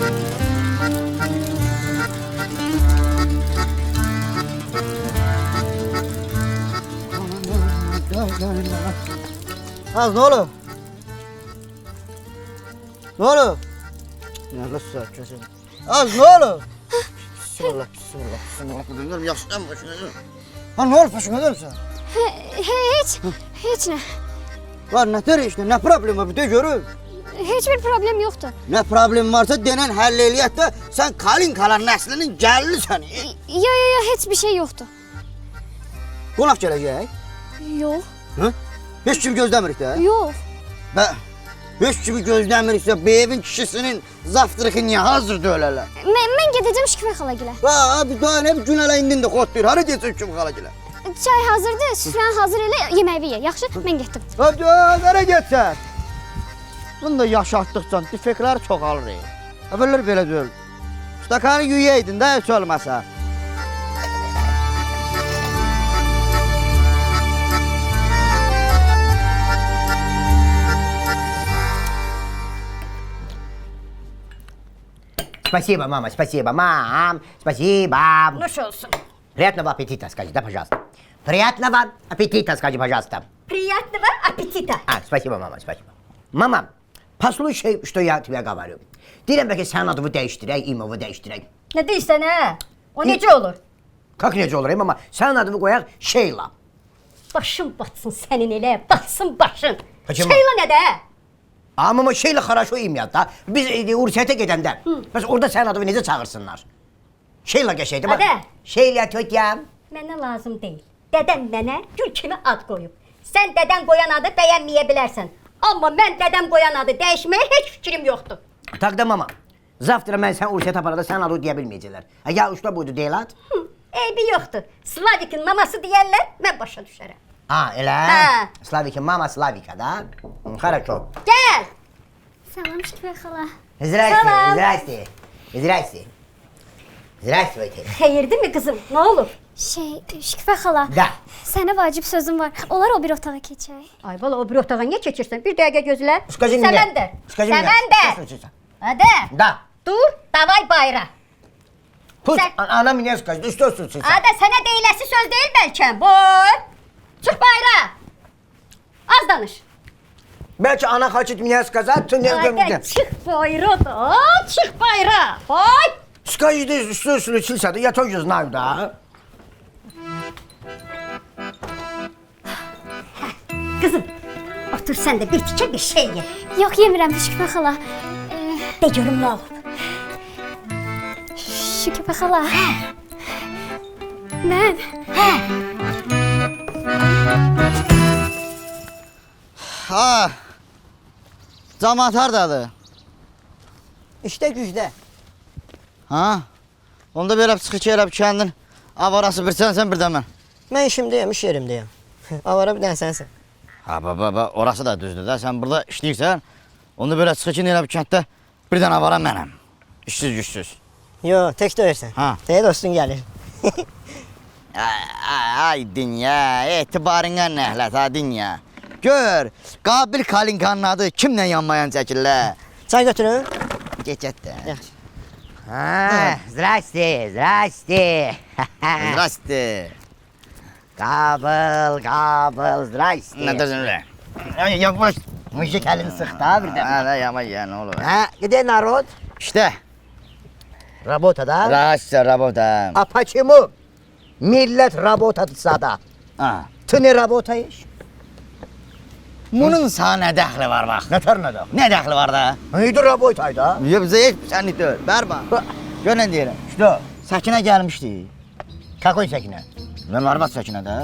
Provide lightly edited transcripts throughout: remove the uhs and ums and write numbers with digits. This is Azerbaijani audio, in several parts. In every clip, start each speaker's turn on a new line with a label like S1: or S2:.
S1: Az ne olur? Ne olur? Ne kızsa kesin. Az ne olur? Bismillah, bismillah, bismillah. Dönüyorum yaştan başına. Ha ne olur başına dönürsen?
S2: Heç nə.
S1: Var ne tür işte, ne problem var bir de görün.
S2: Heç bir problem yoxdur.
S1: Ne problem varsa denen həll de sen kalın kalan nəslinin gəllisən.
S2: Yo, heç bir şey yoxdur.
S1: Qonaq gələcək?
S2: Yox.
S1: Hı? Heç kimi gözləmirik də.
S2: Yox.
S1: Və heç kimi gözləmiriksə bu evin kişisinin zaftırıqı niyə hazırdır ölələr?
S2: Mən gedəcəm Şükfə xalagilə.
S1: Ha, bir daha ne bir gün hələ indin də xotlayır. Hara getsin kim xalagilə?
S2: Çay hazırdır, süfrəni hazır elə, yeməyi ye. Yaxşı, mən getdim.
S1: Hadi, nereye getsən? Bunu da yaşatdıqca defektlər çoxalır. Əvvəllər belə deyil. Stakanı yüyəydin də heç olmasa.
S3: Спасибо, мама, спасибо, мам, спасибо.
S4: Nuş olsun.
S3: Приятного аппетита, скажи, да, пожалуйста. Приятного аппетита, скажи, пожалуйста.
S4: Приятного аппетита.
S3: Спасибо, мама, спасибо. Mama, послушай, что я тебе говорю. Deyirəm bəlkə sənin adını dəyişdirək, imovu dəyişdirək.
S4: Ne deyirsən ha? O necə olur?
S3: Как necə olur, mama? Sənin adını qoyaq Şeyla.
S4: Başın batsın sənin elə, batsın başın.
S3: Hacı,
S4: Şeyla nə də?
S3: Amma Şeyla хорошо imya da. Biz Ursiyətə gedəndə, bəs orada sənin adını necə çağırsınlar? Şeyla qəşəkdir, bax.
S4: Adə.
S3: Şeyla tötyəm.
S4: Mənə lazım deyil. Dədəm mənə gül kimi ad qoyub. Sən dədən qoyan adı bəyənməyə bilərsən. Amma mən dədəm qoyan adı dəyişməyə heç fikrim yoxdur.
S3: Tak da mama. Zavtра mən sən Ursiyətə aparanda sənin adını deyə bilməyəcəklər. Ya usta buydu deyil ad?
S4: Eybi yoxdur. Slavikin maması deyərlər, mən başa düşərəm.
S3: Ha, elə?
S4: Hə.
S3: Slavikin mama Slavika da. Хорошо.
S4: Gəl.
S2: Salam Şükfə xala.
S3: Здрасте,
S4: Salam.
S3: здрасте. Здрасте. Здравствуйте.
S4: Xeyirdir mi qızım? Nə olur?
S2: Şükfə xala.
S3: Da.
S2: Sənə vacib sözüm var. Olar o bir otağa keçək.
S4: Ay bala o bir otağa niyə keçirsən? Bir dəqiqə gözlə.
S3: Скажи мне.
S4: Səməndər.
S3: Скажи мне.
S4: Səməndər.
S3: Что случится?
S4: Hadi.
S3: Да.
S4: Dur, davay bayra.
S3: Пусть
S4: Sen-
S3: она мне скажет, что случится?
S4: Ada sənə deyiləsi söz deyil bəlkə. Boy. Çıx bayra. Az danış.
S3: Belki ana хочет мне сказать, то не
S4: Ada çıx bayra da. Çıx bayra. Boy.
S3: Скажите, что случится, да я тоже знаю, да.
S4: Qızım, otur sən də bir tikə bir şey ye.
S2: Yox, yemirəm Şükfə xala.
S4: De görüm nə olub.
S2: Şükfə xala. Mən
S1: Ha. Camaat hardadır?
S3: İşte güçte.
S1: Ha? Onda belə çıxış elə bir kəndin avarası bir sənsən bir də mən.
S5: Mən işimdəyəm, iş yerimdəyəm. Avara bir dənə sənsən.
S1: Ha, baba, orası da düzdür də. Sən burada işləyirsən, onda belə çıxışın elə bir kənddə bir dənə avara mənəm. İşsiz güçsüz.
S5: Yo, tək döyürsən.
S1: Ha.
S5: Deyə dostun gəlir.
S1: Ay dünya, etibarına nəhlət ha dünya. Gör, Qabil Kalinkanın adı kimlə yanmayan çəkirlər?
S5: Çay götürün.
S1: Get də.
S5: Yaxşı.
S3: А, здрасте, здрасте.
S1: Zdrasti.
S3: Kabul, zdrasте.
S1: Nə dersin öyle?
S3: Yavaş, müşrik elini sık da bir de.
S1: Ha, da yama ya ne olur.
S3: Ha, где народ?
S1: İşte,
S3: Работа, да?
S1: Rasya rabota.
S3: А почему millet работает сада?
S1: Ha.
S3: Ты не работаешь?
S1: Bunun sana nə dəxli var bax?
S3: Ne tür ne de?
S1: Nə dəxli var da?
S3: İyi de работай da.
S1: Ya bizə heç bir sənlik deyil. Bər bax. Gör nə deyirəm.
S3: Что?
S1: Səkinə gəlmişdi.
S3: Какой Sakine?
S1: Mən arvad Səkinə də.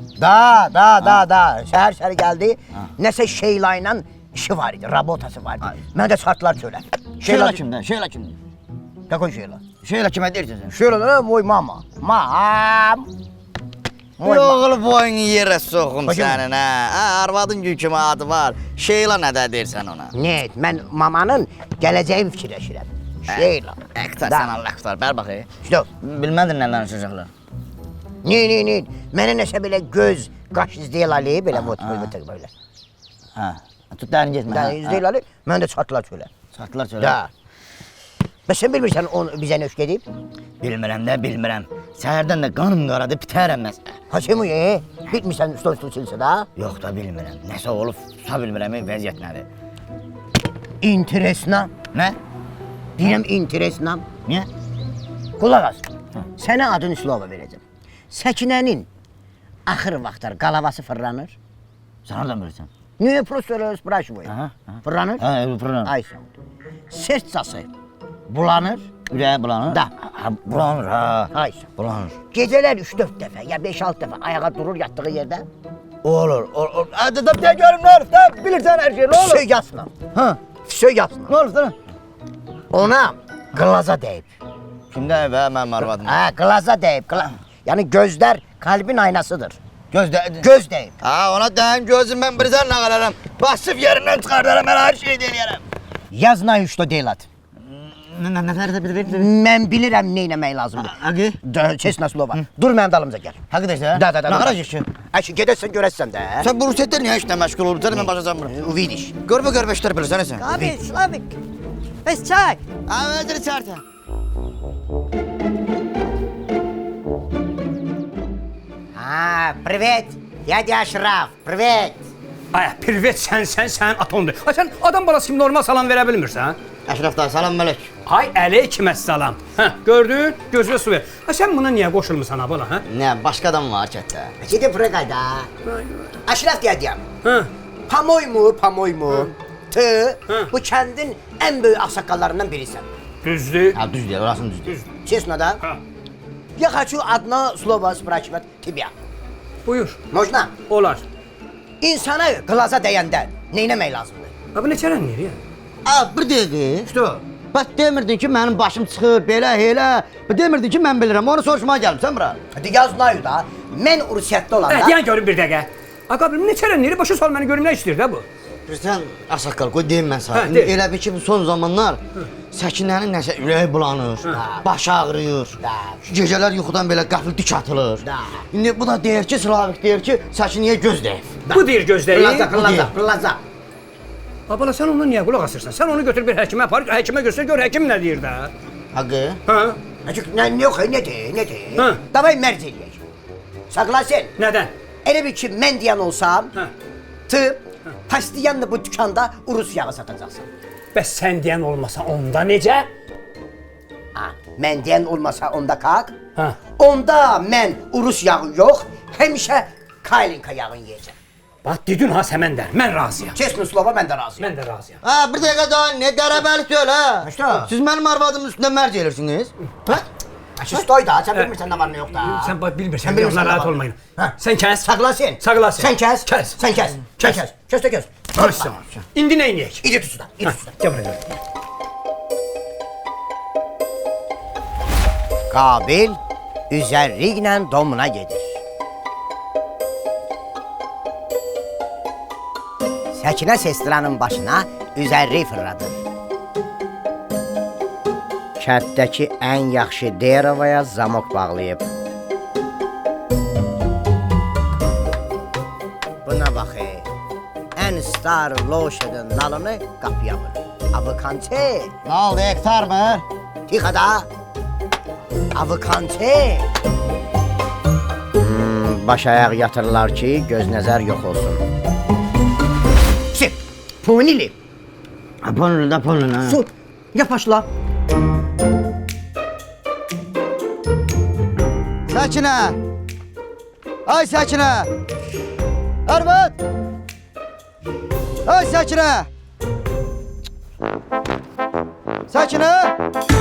S3: Da. Şəhər geldi. Nəsə Şeyla ilə işi var idi, rabotası vardı. Mən də şartlar söylədim.
S1: Şeyla kimdə? Şeyla kimdə?
S3: Какой Şeyla?
S1: Şeyla kimə deyirsən sən?
S3: Şeyla da moj mama. Mam.
S1: Yoğul boyun yerə soxum
S3: Bacım.
S1: sənin ha. Arvadın gül kimi adı var. Şeyla nə də deyirsən ona?
S3: Ne? Mən mamanın gələcəyini fikirləşirəm. Şeyla.
S1: Əqtar
S3: Da.
S1: sən Allah qurtar. Bər bax.
S3: İşte,
S1: Bilmədin nə danışacaqlar.
S3: ne? Mənə nəsə belə göz, qaş izləyil ali, belə böyle.
S1: Ha. Tut dərin getmə.
S3: Yəni izləyil ali, mən də çatlar söylə.
S1: Çatlar söylə.
S3: Da. Bəs sən bilmirsən onu bizə nöşk edib?
S1: Bilmirəm də, bilmirəm. Səhərdən də qanım qaradı, bitərəm mən.
S3: Haçımı bilmirsən stol silsə də?
S1: Yox da bilmirəm. Nəsə olub, tuta bilmirəm, vəziyyət nədir?
S3: İnteresna.
S1: Nə?
S3: Deyirəm interesna.
S1: Niyə?
S3: Qulaq as. Sənə adın Üslova verəcəm. Səkinənin axır vaxtlar qalavası fırlanır.
S1: Sən hardan bilirsən?
S3: Niye profesör spрашиваю?
S1: Aha.
S3: Fırlanır?
S1: Hə, fırlanır.
S3: Ay sağ ol. Sertcası bulanır.
S1: Ürəyə bulanır?
S3: Da.
S1: Ha, bulanır, ha.
S3: Ay sağ ol.
S1: Bulanır.
S3: Gecələr 3-4 dəfə ya 5-6 dəfə ayağa durur yatdığı yerdə.
S1: Olur. Hadi da bir də görüm nə olub da, bilirsən hər şey, nə olur?
S3: Söy yasla.
S1: Ha,
S3: Söy yasla.
S1: nə olub da?
S3: Ona glaza deyib.
S1: Kimdə və mənim arvadım?
S3: Ha, glaza deyib. Yəni gözlər kalbin aynasıdır.
S1: Gözdə.
S3: Göz deyib.
S1: Ha, ona deyim gözüm mən birdən nə qalarım. Basıb yerindən çıxardarım, mən hər şeyi deyərəm.
S3: Yazna üçdə deyil at.
S1: Nələrdə bir.
S3: Mən bilirəm nə etmək lazımdır.
S1: Aqı?
S3: Çesna slova. Dur mənim dalımıza gəl.
S1: Həqiqətən?
S3: Da.
S1: Nə qarajıq ki?
S3: Əşi gedəsən görəsən də.
S1: Sən bu rusetlər niyə işlə məşğul olubsan? Mən başa salmıram.
S3: Uvidiş.
S1: Görmə işlər bilirsən sən.
S5: Abi, Slavik. Bez çay.
S1: Ha, özür çarta.
S3: Ha, привет. Дядя Aşraf. Привет.
S6: Ay, privet sən atomdur. Ay, sən adam balası kimi normal salam verə bilmirsən?
S1: Əşraf da, salam mələk.
S6: Ay, əleyküməssalam. Hə, gördün? Gözünə su ver. Ay, sən buna niyə qoşulmusan ha bala, hə?
S1: Nə, başqa adam var kətdə.
S3: Gidip Fregayda. Aşraf diyeceğim.
S6: Hə.
S3: Pamoy mu? Tı, bu kəndin ən böyük ağsaqqallarından birisən.
S6: Düzdür.
S1: Ha, düz deyir, orasını düz deyir.
S3: Честно, да?
S6: Ha.
S3: Я хочу одно слово спрашивать тебя.
S6: Buyur.
S3: Можно?
S6: Olar.
S3: İnsana glaza dəyəndə nə etmək lazımdır?
S6: Ha, bu neçələn yeri ya?
S1: Ha, bir dəqiqə. İşte o. Bax demirdin ki, mənim başım çıxır, belə, elə. Demirdin ki, mən bilirəm. Onu soruşmaya gəlmişsən bura.
S3: Hadi yaz nayu da. Mən Ursiyyətdə olanda...
S6: Deyən görüm bir dəqiqə. Ay, qabilim, neçələn yeri başa sal məni görüm nə işləyir də bu?
S1: Bilirsən, ağsaqqal, qoy deyim mən
S6: Hə,
S1: sana.
S6: de.
S1: Elə bil ki, bu son zamanlar Səkinənin nəsə ürəyi bulanır, başı ağrıyır. Gecələr yuxudan belə qəfil dik atılır. İndi bu da deyir ki, Slavik deyir ki, Səkinəyə göz deyib.
S6: Bu deyir gözləri.
S3: Glaza.
S6: Ha, bala, sən ondan niyə qulaq asırsan? Sən onu götür bir həkimə apar, həkimə göstər, gör həkim nə deyir də.
S1: Haqqı?
S6: Hə?
S3: Açık ne yok ne de.
S6: Hı.
S3: Davay mərc eləyək. Saklasın.
S6: Nədən?
S3: Elə bir ki mən deyən olsam,
S6: Hə.
S3: tı pastiyanla bu dükkanda Urus yağı satacaqsan.
S6: Bəs sən deyən olmasa onda necə?
S3: Ha, mən deyən olmasa onda kalk.
S6: Hə.
S3: Onda mən Urus yağı yox, həmişə Kaylinka yağını yeyəcəm.
S6: Bax, dedin ha Səməndər, mən razıyam.
S3: Çesnu slova mən də razıyam.
S6: Mən də razıyam.
S1: Ha, bir dəqiqə daha, nə qərəbəlik deyil ha?
S3: İşte.
S1: Siz mənim arvadımın üstündə mərc eləyirsiniz. Hə?
S3: Açı stoy da, sən bilmirsən nə var nə yox da.
S6: Sən bax bilmirsən,
S3: Sən bilmirsən
S6: narahat
S3: nə var.
S6: olmayın.
S3: Hə.
S6: Sən kəs.
S3: Saklasın.
S6: Saklasın.
S3: Sən kəs.
S6: Kəs.
S3: Sən kəs. Sən kəs. Kəs də kəs.
S6: Barışsın. İndi nə edək?
S3: İdi tutudan, idi tutudan.
S6: Gəl buraya.
S3: Qabil üzərliklə domuna gedir. Səkinə sestranın başına üzərlik fırladır. Kənddəki ən yaxşı Derovaya zamok bağlayıb. Buna bax, ən star loşadın nalını qapıya vurur. Avıkançı,
S1: Nə oldu, hektar mı?
S3: tixada. Avıkançı. Baş ayaq yatırlar ki, göz nəzər yox olsun. Sip, punili.
S1: Aponlu da ponlu ha.
S3: Su, yapaşla.
S1: Səkinə! Ay Səkinə! Arvad! Ay Səkinə! Səkinə!